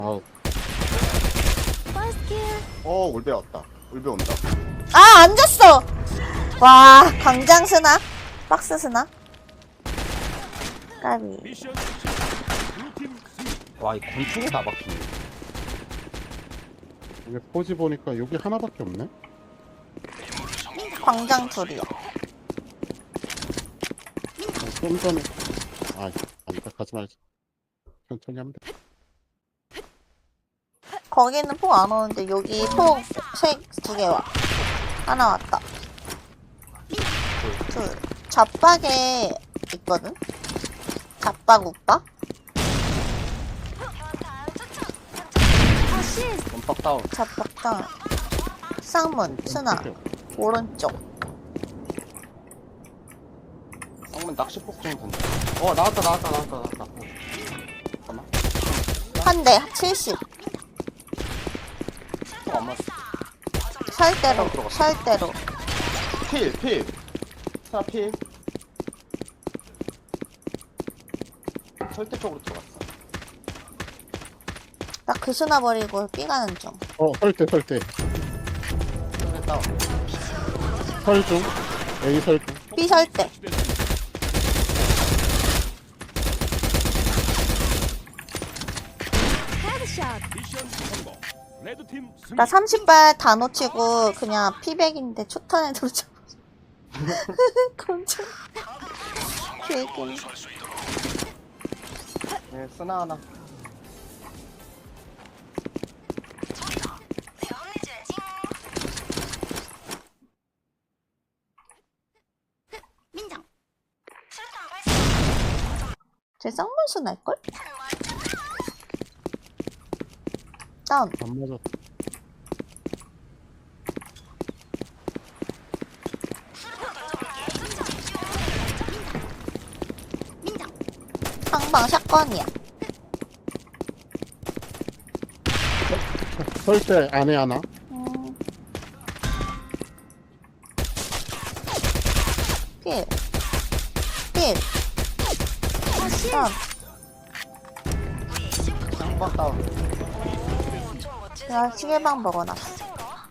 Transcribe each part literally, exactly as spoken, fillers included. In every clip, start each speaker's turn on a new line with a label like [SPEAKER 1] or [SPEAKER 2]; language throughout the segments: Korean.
[SPEAKER 1] 아우.
[SPEAKER 2] 어, 울베 왔다. 울베 온다.
[SPEAKER 3] 아, 앉았어! 와, 광장 스나? 박스 스나? 까비.
[SPEAKER 2] 와, 이 권총에 다 박히네.
[SPEAKER 1] 이게 포지 보니까 여기 하나밖에 없네?
[SPEAKER 3] 광장 둘이요.
[SPEAKER 1] 어, 좀 전에. 아, 아니다. 가지 말자. 천천히 하면 돼.
[SPEAKER 3] 거기는 폭 안 오는데, 여기 폭 세, 두 개 와. 하나 왔다. 둘. 잡박에 있거든? 잡박 오빠?
[SPEAKER 2] 원박 다운.
[SPEAKER 3] 잡박당. 쌍문, 스나. 오른쪽.
[SPEAKER 2] 쌍문 낚시폭 좀 던져. 어, 나왔다, 나왔다, 나왔다, 나왔다. 어. 잠깐만.
[SPEAKER 3] 한 대, 칠십.
[SPEAKER 2] 어, 안 맞았어.
[SPEAKER 3] 살대로, 살대로.
[SPEAKER 2] 필, 필. 스나 필. 절대 쪽으로 들어갔어.
[SPEAKER 3] 나 그 스나 버리고 삐가는 중.
[SPEAKER 1] 어, 설대, 설대.
[SPEAKER 2] 그래, 다운.
[SPEAKER 1] 설중. A 설중.
[SPEAKER 3] 삐 살대. 나 삼십 발 다 놓치고 그냥 피백인데 초탄에 들어쳐. 깜짝. 개웃기네.
[SPEAKER 2] 네, 스나 하나.
[SPEAKER 3] 쟤 쌍문수 날걸? 다운.
[SPEAKER 1] 안 맞았다.
[SPEAKER 3] 상방 샷건이야.
[SPEAKER 1] 설대 안에 하나.
[SPEAKER 3] 음. 필. 필. 다운.
[SPEAKER 2] 쌍박 다운.
[SPEAKER 3] 내가 시계방 먹어놨어.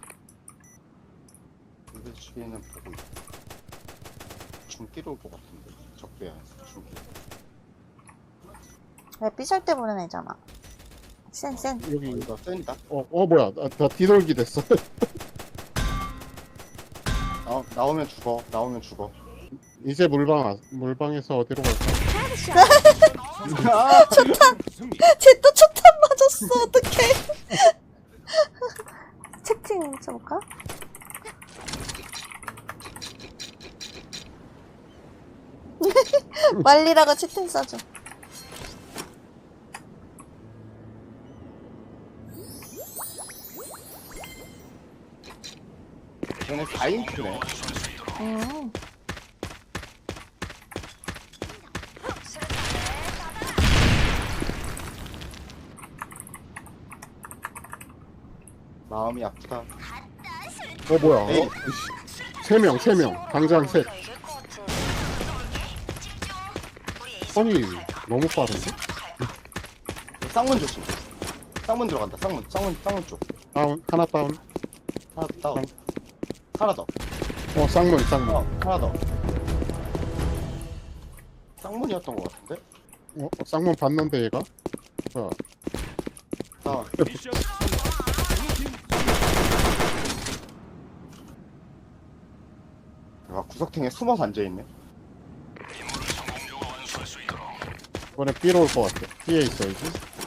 [SPEAKER 2] 이거 주위에는 보고 있다. 중기로 올 것 같은데. 적배야, 중기.
[SPEAKER 3] 왜 삐살 때 보는 애잖아. 센, 센.
[SPEAKER 1] 여기.
[SPEAKER 2] 이거 쏜다.
[SPEAKER 1] 어, 어, 뭐야. 나, 나 뒤돌기 됐어.
[SPEAKER 2] 나, 나오면 죽어. 나오면 죽어.
[SPEAKER 1] 이제 물방, 와- 물방에서 어디로 갈까?
[SPEAKER 2] 아,
[SPEAKER 3] 초탄! 쟤 또 초탄 맞았어. 어떡해. 채팅 쳐볼까? 말리라고 채팅 써줘.
[SPEAKER 2] 얘네 사 인큐네.
[SPEAKER 3] 음.
[SPEAKER 2] 마음이 아프다.
[SPEAKER 1] 어, 뭐야.
[SPEAKER 2] 에이.
[SPEAKER 1] 어? 세 명, 세 명. 당장 셋. 선이 너무 빠른데?
[SPEAKER 2] 쌍문 조심. 쌍문 들어간다. 쌍문, 쌍문, 쌍문 쪽.
[SPEAKER 1] 다운, 하나 다운.
[SPEAKER 2] 하나 다운. 하나 더.
[SPEAKER 1] 어, 쌍문, 쌍문.
[SPEAKER 2] 어, 하나 더. 쌍문이었던 것 같은데?
[SPEAKER 1] 어, 쌍문 봤는데 얘가? 자,
[SPEAKER 2] 다운. 야, 구석탱에 숨어서 앉아있네.
[SPEAKER 1] 이번에 B로 올 것 같아. B에 있어야지.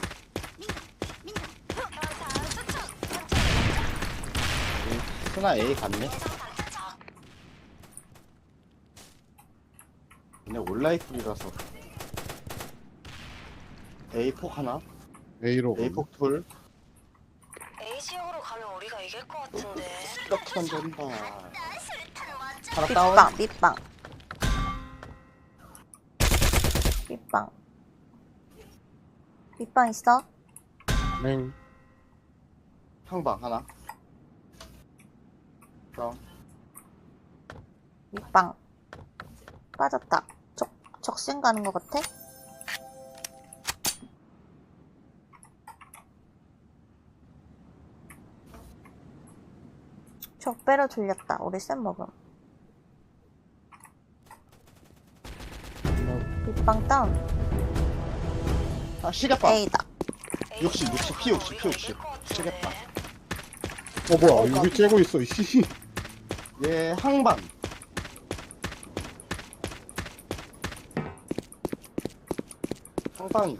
[SPEAKER 2] 스나 A 갔네. 근데 온라이프이라서 A 폭 하나,
[SPEAKER 1] A로.
[SPEAKER 2] A 폭 둘.
[SPEAKER 4] A 지역으로 가면 우리가 이길 것 같은데.
[SPEAKER 2] 이렇게 던진다. 하나 다운.
[SPEAKER 3] 밑방, 밑방. 밑방. 밑방 있어?
[SPEAKER 1] 맹.
[SPEAKER 2] 형방 하나. 다운.
[SPEAKER 3] 밑방. 빠졌다. 적, 적신 가는 것 같아? 적배로 돌렸다. 우리 쌤 먹음. 빗방 다운.
[SPEAKER 2] 아, 시계빵.
[SPEAKER 3] A다.
[SPEAKER 2] 육십, 육십, 피 육십, 피 육십. 시계빵.
[SPEAKER 1] 어 뭐야 여기 째고 있어 이씨.
[SPEAKER 2] 얘 항반. 항방이.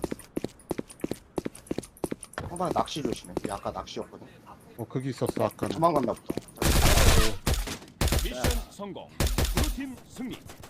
[SPEAKER 2] 항방에 낚시 조심해. 얘 아까 낚시였거든.
[SPEAKER 1] 어 거기 있었어 아까는.
[SPEAKER 2] 도망갔나 보다.
[SPEAKER 5] 미션 성공. 블루팀 승리.